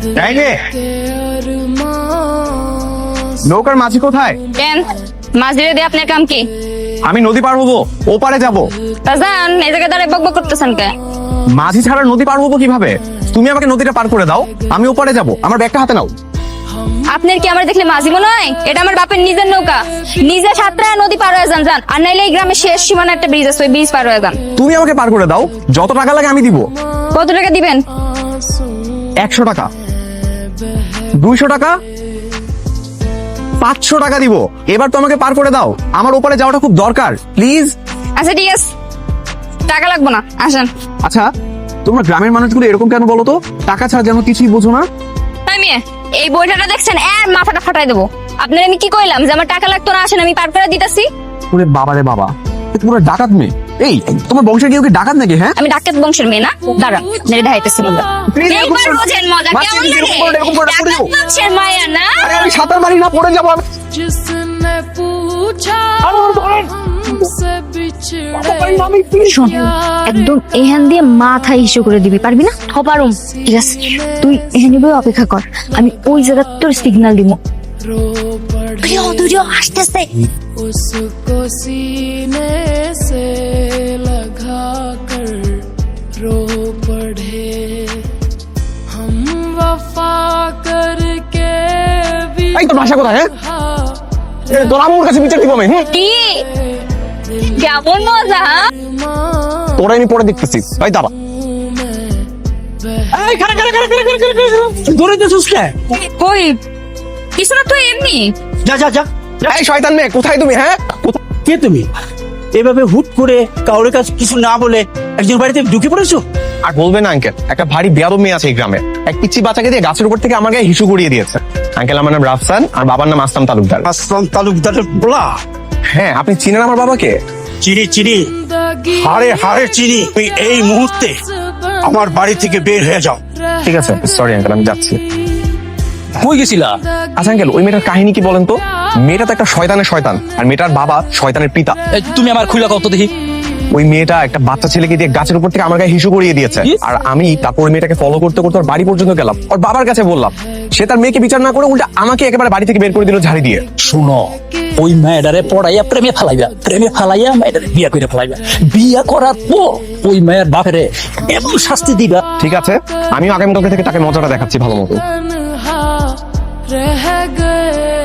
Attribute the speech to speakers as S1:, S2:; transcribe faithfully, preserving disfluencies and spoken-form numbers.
S1: নৌকার মাঝি কোথায়?
S2: কেন মাঝিরে দিয়ে আপনার কাম কি?
S1: আমি নদী পার হবো, ওপারে যাব।
S2: তা যান, এই জায়গায় দাঁড়ায় বকবক করতেছেন কে?
S1: মাঝি ছাড়া নদী পার হবো কিভাবে? তুমি আমাকে নদীটা পার করে দাও, আমি ওপারে যাব। আমার ব্যাগটা হাতে নাও।
S2: আপনার কি আমার দেখলে মাঝি মনে হয়? এটা আমার বাপের নিজের নৌকা, নিজে সাঁতরায় নদী পার হয়ে যান যান। আর নাইলে এই গ্রামের শেষ সীমানা একটা ব্রিজ আছে, ওই ব্রিজ পার হয়ে যান।
S1: তুমি আমাকে পার করে দাও, যত টাকা লাগে আমি দিব।
S2: কত টাকা দিবেন?
S1: একশো টাকা, দুইশো টাকা, পাঁচশো টাকা দিব। এবার তো আমাকে পার করে দাও, আমার ওপারে যাওয়াটা খুব দরকার, প্লিজ।
S2: আচ্ছা ঠিক আছে, টাকা লাগবো না, আসেন।
S1: আচ্ছা, তোমরা গ্রামের মানুষগুলো এরকম কেন বলো তো? টাকা ছাড়া যেন কিছুই বোঝো না।
S2: তাই মেয়ে, এই বইটাটা দেখছেন, এর মাথাটা ফাটাই দেবো। আপনার আমি কি কইলাম যে আমার টাকা লাগতো না? আসেন, আমি পার করে দিতেছি।
S1: ওরে বাবা রে বাবা, তোমরা ডাকাত মেয়ে। এই তোমার বংশের কেউ কি ডাকাত নাকি? হ্যাঁ,
S2: আমি ডাকাত বংশের মেয়ে না। দাঁড়ান, মেরে ঢাইতেছি বললাম। এইবার বোঝেন মজা কেমন লাগে। ডাকাত বংশের মায়া না।
S1: আরে আমি সাঁতার মারি না, পড়ে যাবো আমি।
S3: जिसने पूछा हमसे
S2: শোন, একদম এখান দিয়ে মাথা হিসু করে দিবি, পারবি না? পারুম। ঠিক আছে, তুই এখানে বই অপেক্ষা কর, আমি ওই জায়গা তোর সিগন্যাল দিব। আসতেছে।
S3: उसको सीने से लगा कर रो पड़े हम वफा करके भी।
S1: এই তোর ভাষা কোথায়? হ্যাঁ, তোর আমার কাছে বিচার দিব আমি।
S2: কি কেমন মজা?
S1: তোরা আমি পরে দেখতেছি। এই দাঁড়া,
S4: এই খারা খারা খারা খারা খারা খারা ধরে দিছিস কে?
S2: কই কিছু না, তুই এমনি
S4: যা যা যা।
S1: এই শয়তান মেয়ে, কোথায় তুমি? হ্যাঁ,
S4: কে তুমি? এভাবে হুট করে কাউরে কাছে কিছু না বলে একজন বাড়িতে ঢুকে পড়েছো?
S1: আর বলবে না আঙ্কেল, একটা ভারী বেয়াদব মেয়ে আছে এই গ্রামে। এক পিচ্চি বাচ্চাকে দিয়ে গাছের উপর থেকে আমার গায়ে হিসু করিয়ে দিয়েছে। আঙ্কেল, আমার নাম রাফসান, আর বাবার নাম আসলাম তালুকদার।
S4: আসলাম তালুকদারের বলা?
S1: হ্যাঁ, আপনি চিনেন আমার বাবাকে?
S4: চিনি চিনি, হারে হারে চিনি। তুই এই মুহূর্তে আমার বাড়ি থেকে বের হয়ে যাও।
S1: ঠিক আছে, সরি আঙ্কেল, আমি যাচ্ছি।
S4: কই গেছিলা?
S1: আচ্ছা আঙ্কেল, ওই মেয়েটার কাহিনী কি বলেন তো? মেয়েটা তো একটা শয়তানের শয়তান, আর মেয়েটার বাবা শয়তানের পিতা।
S4: এই, তুমি আমার খুইলা কত দেখি।
S1: ওই মেয়েটা একটা বাচ্চা ছেলেকে দিয়ে গাছের উপর থেকে আমার গায়ে হিসু করিয়ে দিয়েছে। আর আমি তারপর ওই মেয়েটাকে ফলো করতে করতে ওর বাড়ি পর্যন্ত গেলাম, ওর বাবার কাছে বললাম। সে তার মেয়েকে বিচার না করে উল্টা আমাকে একেবারে বাড়ি থেকে বের করে দিল ঝাড়ি দিয়ে।
S4: শুনো, ওই মেয়েটারে পড়াইয়া প্রেমে ফেলাইবা, প্রেমে ফেলাইয়া মেয়েটারে বিয়া করে ফেলাইবা। বিয়া করার পর ওই মেয়ের বাপেরে এমন শাস্তি দিবা।
S1: ঠিক আছে, আমিও আগামীকালকে থেকে তাকে মজাটা দেখাচ্ছি ভালো মতো।
S3: तन्हा रह गए